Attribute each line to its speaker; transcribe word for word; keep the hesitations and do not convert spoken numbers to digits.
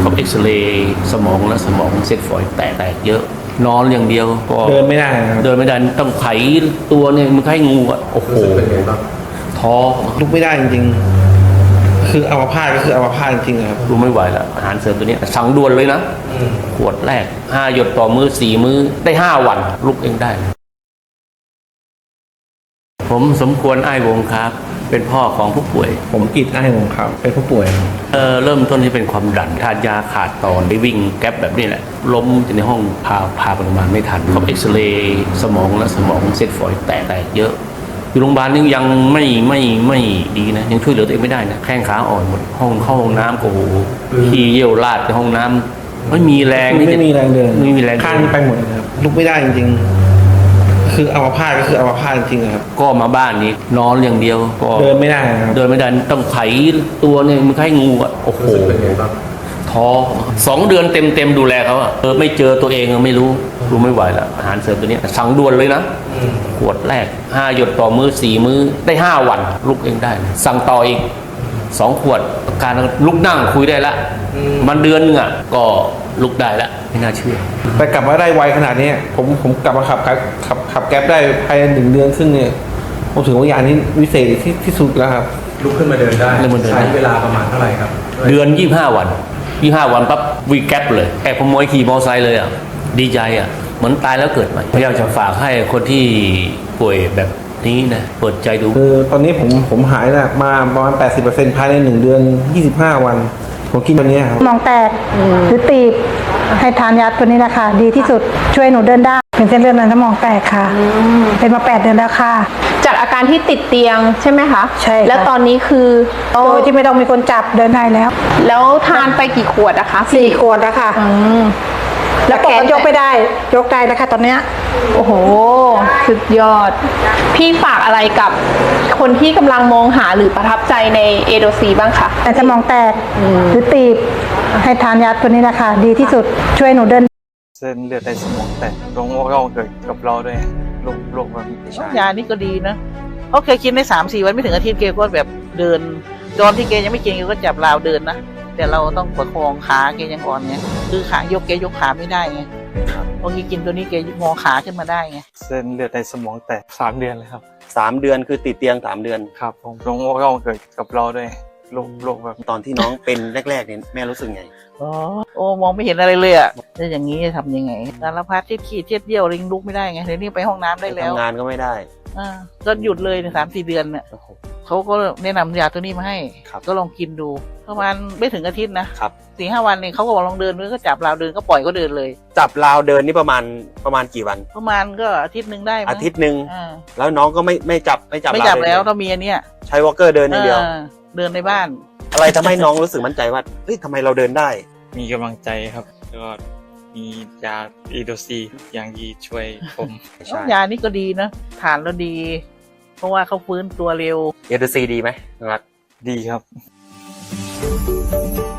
Speaker 1: เขาเอ็กซเรย์สมองและสมองเส้นฝอยแตกแตกเยอะนอนอย่างเดียวก็
Speaker 2: เดินไม่ได้ครับ
Speaker 1: เดินไม่ได้ต้องไขตัวเนี่ยมันไข้งูอ่ะโอ้โหท้อ
Speaker 2: ลุกไม่ได้จริงๆคืออัมพาตก็คืออัมพาตจริงๆครับ
Speaker 1: ดูไม่ไหวแล้วอาหารเสริมตัวนี้สั่งด่วนเลยนะขวดแรกห้าหยดต่อมือสี่มือได้ห้าวันลุกเองได้ผมสมควรอ้ายวงครับเป็นพ่อของผู้ป่วย
Speaker 2: ผมกิจอ้ายวงครับเป็นผู้ป่วย
Speaker 1: เออเริ่มต้นที่เป็นความดันทานยาขาดตอนได้วิ่งแก๊ปแบบนี้แหละล้มในห้องพาพาไปโรงพยาบาลไม่ทันเขาเอ็กซเรย์สมองและสมองเส้นฝอยแตกแตกเยอะอยู่โรงพยาบาลนี่ยังไม่ไม่ไม่ดีนะยังช่วยเหลือตัวเองไม่ได้นะแข้งขาอ่อนหมดห้องเข้าห้องน้ำก็โหขี้เยี่ยวราดในห้องน้ำไม่มีแรง
Speaker 2: ไม่มีแรงเดิน
Speaker 1: ไม่มีแรง
Speaker 2: ข้างไปหมดเลยครับลุกไม่ได้จริงๆคืออัมพาตก็คืออัมพาตจริงๆครับ
Speaker 1: ก็มาบ้านนี้นอนอย่างเดียวก็
Speaker 2: เดินไม่ได้ครับ
Speaker 1: เดินไม่ได้ต้องไขตัวเนี่ยมันไข้งูอ่ะโอ้โหท้อสองเดือนเต็มเต็มดูแลเขาอ่ะเออไม่เจอตัวเองไม่รู้รู้ไม่ไหวแล้วอาหารเสริมตัวนี้สั่งด่วนเลยนะขวดแรกห้าหยดต่อมือสี่มือได้ห้าวันลุกเองได้สั่งต่ออีกสองขวดการลุกนั่งคุยได้ละมันเดือนนึงอ่ะก็ลุกได้ละไม่น่าเชื่อ
Speaker 2: แต่กลับมาได้ไวขนาดนี้ผมผมกลับมาขับขับขับแก๊ปได้ภายในหนึ่งเดือนครึ่งเนี่ยผมถือว่ายานี้วิเศษที่ที่สุดแล้วครับ
Speaker 3: ลุกขึ้นมาเดินได้ใช้เวลาประมาณเท่าไหร่ครับ
Speaker 1: เดือนยี่สิบห้าวันยี่สิบห้าวันปั๊บวีแก๊ปเลยแอบขโมยขี่มอเตอร์ไซค์เลยอ่ะดีใจอ่ะเหมือนตายแล้วเกิดใหม่อยากจะฝากให้คนที่ป่วยแบบนี้นะเปิดใจดู
Speaker 2: คือตอนนี้ผมผมหายนะมาประมาณ แปดสิบเปอร์เซ็นต์ ภายในหนึ่งเดือนยี่สิบห้าวันผมกินวันนี้ครับ
Speaker 4: มองแตกหรือตีบให้ทานยาตัวนี้นะคะดีที่สุดช่วยหนูเดินได้เป็นเส้นเลือดในสมองแตกค่ะเป็นมาแปดเดือนแล้วค่ะ
Speaker 5: จากอาการที่ติดเตียงใช่ไหมคะ
Speaker 4: ใช่
Speaker 5: แล้วตอนนี้คือ
Speaker 4: โดยที่ไม่ต้องมีคนจับเดินได้แล้ว
Speaker 5: แล้วทานไปกี่ขวดอะคะ
Speaker 4: สี่ขวดแล้วค่ะแล้วแขนยกไม่ได้ยกได้แล้วค่ะตอนเนี้ย
Speaker 5: โอ้โหสุดยอดพี่ฝากอะไรกับคนที่กำลังมองหาหรือประทับใจในเอโดซีบ้างคะ
Speaker 4: แต่สมองแตกหรือตีบให้ทานยาตัวนี้นะคะดีที่สุดช่วยหนูเดิน
Speaker 3: เส้นเลือดในสมองแตกตรงว่าเกิดกับเราด้วยโรคโรคแบบนี้ใช่
Speaker 6: ยานี่ก็ดีนะเขาเคยกินได้สามสี่วันไม่ถึงอาทิตย์เกก็แบบเดินตอนที่เกยังไม่กินเกก็จับราวเดินนะแต่เราต้องประคองขาเกยังอ่อนไงคือขายกเกยกขาไม่ได้ไงพอกินตัวนี้เกงอขาขึ้นมาได้ไง
Speaker 3: เส้นเลือดในสมองแตกสามเดือนเลยครับ
Speaker 7: สามเดือนคือติดเตียงสามเดือน
Speaker 3: ครับผมตรงว่าเกิดกับเราด้วยโรคโรคแบบ
Speaker 7: ตอนที่น้องเป็นแรกๆเนี่ยแม่รู้สึกไง
Speaker 6: อ๋อโอ้มองไม่เห็นอะไรเลยอ่ะแล้วอย่างนี้ทำยังไงสารพัดที่ขี้เทียดเยี่ยวลิงลุกไม่ได้ไงเดี๋ยวนี้ไปห้องน้ำได้แล้ว
Speaker 7: ทำงานก็ไม่ได้
Speaker 6: อ่าก็หยุดเลยในสามสี่เดือนเนี่ยเขาก็แนะนำยาตัวนี้มาให้ก็ลองกินดูประมาณไม่ถึงอาทิตย์นะครับสี่ห้าวันเนี่ยเขาก็บอกลองเดินด้วยก็จับราวเดินก็ปล่อยก็เดินเลย
Speaker 7: จับราวเดินนี่ประมาณประมาณกี่วัน
Speaker 6: ประมาณก็อาทิตย์หนึ่งได้
Speaker 7: อาทิตย์หนึ่งแล้วน้องก็ไม่ไม่จับไม่จับ
Speaker 6: ไม่จับแล้วต้องมีอันเนี้ย
Speaker 7: ใช้วอล์กเกอร์เดินอย่างเดียว
Speaker 6: เดินในบ้าน
Speaker 7: อะไรทำให้น้องรู้สึกมั่นใจว่าเฮ้ยทำไมเราเดินได้
Speaker 3: มีกำลังใจครับแล้วก็มียาอีโดซีอย่างดีช่วยผม
Speaker 6: ยานี่ก็ดีนะทานแล้วดีเพราะว่าเขาฟื้นตัวเร็ว
Speaker 7: อีโดซีดีไหมครับ
Speaker 3: ดีครับ